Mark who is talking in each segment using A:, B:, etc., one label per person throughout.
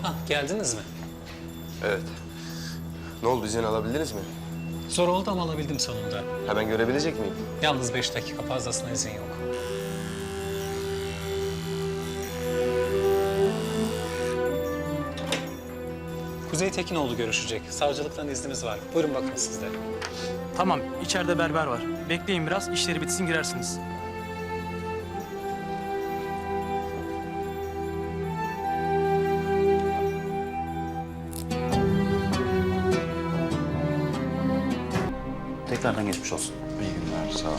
A: Ah, geldiniz mi?
B: Evet. Ne oldu, izin alabildiniz mi?
A: Zor oldu ama alabildim sonunda.
B: Hemen görebilecek miyim?
A: Yalnız 5 dakika fazlasına izin yok. Kuzey Tekinoğlu görüşecek. Savcılıktan iznimiz var. Buyurun bakın siz de.
C: Tamam, içeride berber var. Bekleyin biraz, işleri bitsin girersiniz.
D: Tekrardan geçmiş olsun.
B: İyi günler, sağ ol.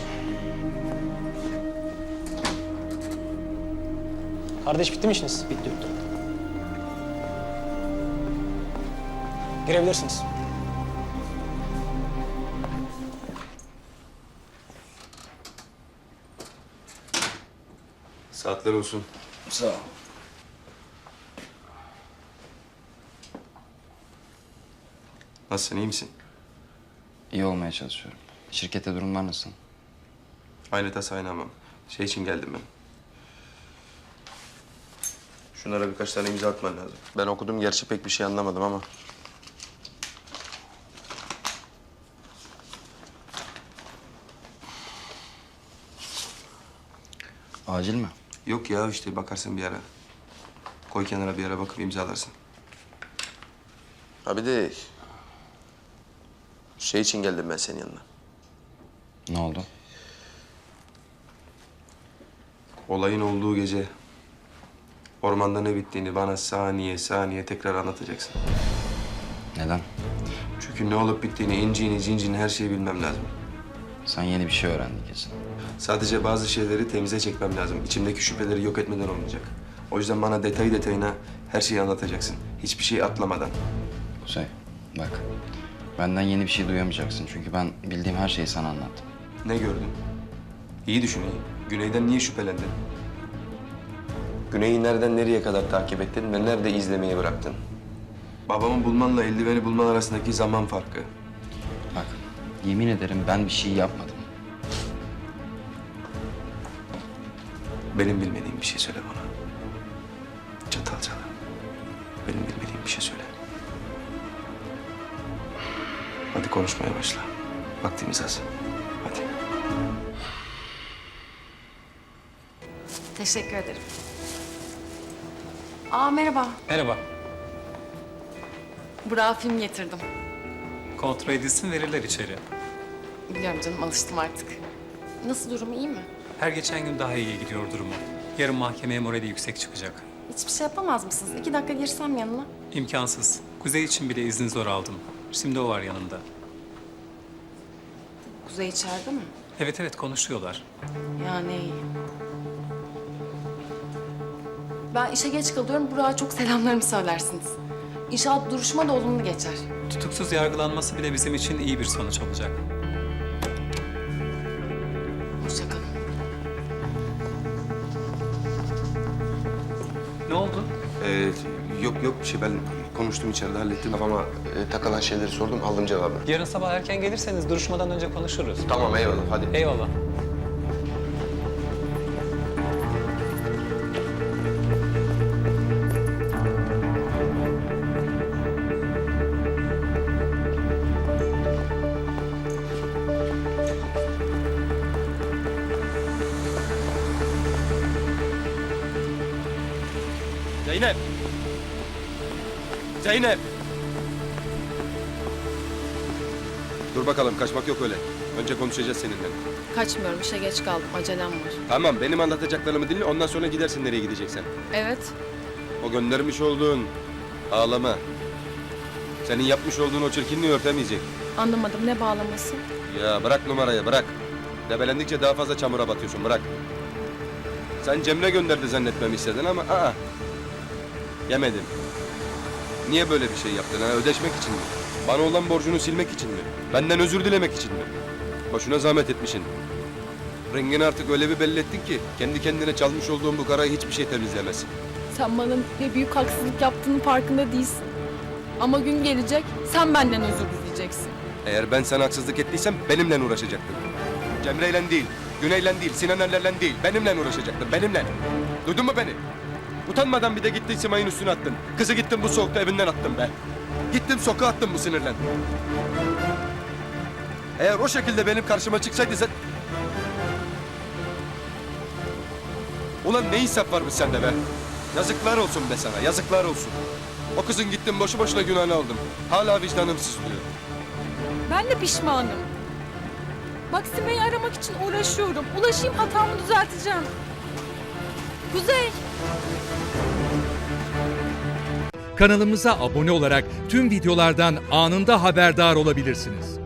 A: Kardeş bitti mi işiniz?
D: Bitti bitti.
A: Girebilirsiniz.
B: Saatler olsun.
D: Sağ ol.
B: Nasılsın, iyi misin?
E: İyi olmaya çalışıyorum. Şirkette durumlar nasıl?
B: Aynı tas aynı hamam. Şey için geldim ben. Şunlara birkaç tane imza atman lazım. Ben okudum, gerçi pek bir şey anlamadım ama.
E: Acil mi?
B: Yok ya, işte bakarsın bir ara. Koy kenara, bir ara bakıp imzalarsın. Ha bir de... Şey için geldim ben senin yanına.
E: Ne oldu?
B: Olayın olduğu gece... Ormanda ne bittiğini bana saniye saniye tekrar anlatacaksın.
E: Neden?
B: Çünkü ne olup bittiğini, inciğini, cinciğini her şeyi bilmem lazım.
E: Sen yeni bir şey öğrendin kesin.
B: Sadece bazı şeyleri temize çekmem lazım. İçimdeki şüpheleri yok etmeden olmayacak. O yüzden bana detayı detayına her şeyi anlatacaksın. Hiçbir şey atlamadan.
E: Kuzey, bak. Benden yeni bir şey duyamayacaksın. Çünkü ben bildiğim her şeyi sana anlattım.
B: Ne gördün? İyi düşün iyi. Güney'den niye şüphelendin? Güney'i nereden nereye kadar takip ettin ve nerede izlemeyi bıraktın? Babamı bulmanla eldiveni bulman arasındaki zaman farkı.
E: Bak, yemin ederim ben bir şey yapmadım.
B: Benim bilmediğim bir şey söyle bana. Çatalcalı. Benim bilmediğim bir şey söyle. Hadi konuşmaya başla. Vaktimiz az. Hadi.
F: Teşekkür ederim. Aa merhaba.
A: Merhaba.
F: Burak'a film getirdim.
A: Kontrol edilsin, verirler içeri.
F: Biliyorum canım, alıştım artık. Nasıl, durumu iyi mi?
A: Her geçen gün daha iyiye gidiyor durumu. Yarın mahkemeye morali yüksek çıkacak.
F: Hiçbir şey yapamaz mısınız? 2 dakika girsem yanına.
A: İmkansız. Kuzey için bile izni zor aldım. Şimdi o var yanımda.
F: Kuzey içeride mi?
A: Evet evet, konuşuyorlar.
F: Yani iyi. Ben işe geç kalıyorum. Burak'a çok selamlarımı söylersiniz. İnşallah duruşma da olumlu geçer.
A: Tutuksuz yargılanması bile bizim için iyi bir sonuç olacak.
F: Hoşça kalın.
A: Ne oldu?
B: Yok bir şey, ben konuştum içeride, hallettim. Kafama takılan şeyleri sordum, aldım cevabı.
A: Yarın sabah erken gelirseniz duruşmadan önce konuşuruz.
B: Tamam, eyvallah, hadi.
A: Eyvallah.
C: Zeynep! Zeynep!
G: Dur bakalım, kaçmak yok öyle. Önce konuşacağız seninle.
F: Kaçmıyorum, işe geç kaldım. Acelem var.
G: Tamam, benim anlatacaklarımı dinle, ondan sonra gidersin nereye gideceksen.
F: Evet.
G: O göndermiş olduğun ağlama, senin yapmış olduğun o çirkinliği örtemeyecek.
F: Anlamadım, ne bağlaması?
G: Ya bırak numarayı, bırak. Debelendikçe daha fazla çamura batıyorsun, bırak. Sen Cemre gönderdi zannetmemi istedin ama yemedim. Niye böyle bir şey yaptın? Ha? Ödeşmek için mi? Bana olan borcunu silmek için mi? Benden özür dilemek için mi? Boşuna zahmet etmişsin. Rengini artık öyle bir belli ettin ki kendi kendine çalmış olduğun bu karayı hiçbir şey temizlemez.
H: Sen bana ne büyük haksızlık yaptığının farkında değilsin. Ama gün gelecek, sen benden özür dileyeceksin.
G: Eğer ben sana haksızlık ettiysem benimle uğraşacaktın. Cemre'yle değil, Güney'le değil, Sinan Erler'le değil, benimle uğraşacaktın, benimle. Duydun mu beni? Utanmadan bir de gittin Simay'ın üstüne attın. Kızı gittin bu soğukta evinden attın be. Gittin sokağa attın bu sinirlen. Eğer o şekilde benim karşıma çıksaydı sen... Ulan ne insaf varmış sende be. Yazıklar olsun be sana, yazıklar olsun. O kızın gittin boşu boşuna günahını aldım. Hala vicdanım sızlıyor.
H: Ben de pişmanım. Bak Sime'yi aramak için uğraşıyorum. Ulaşayım, hatamı düzelteceğim. Kuzey!
D: Kanalımıza abone olarak tüm videolardan anında haberdar olabilirsiniz.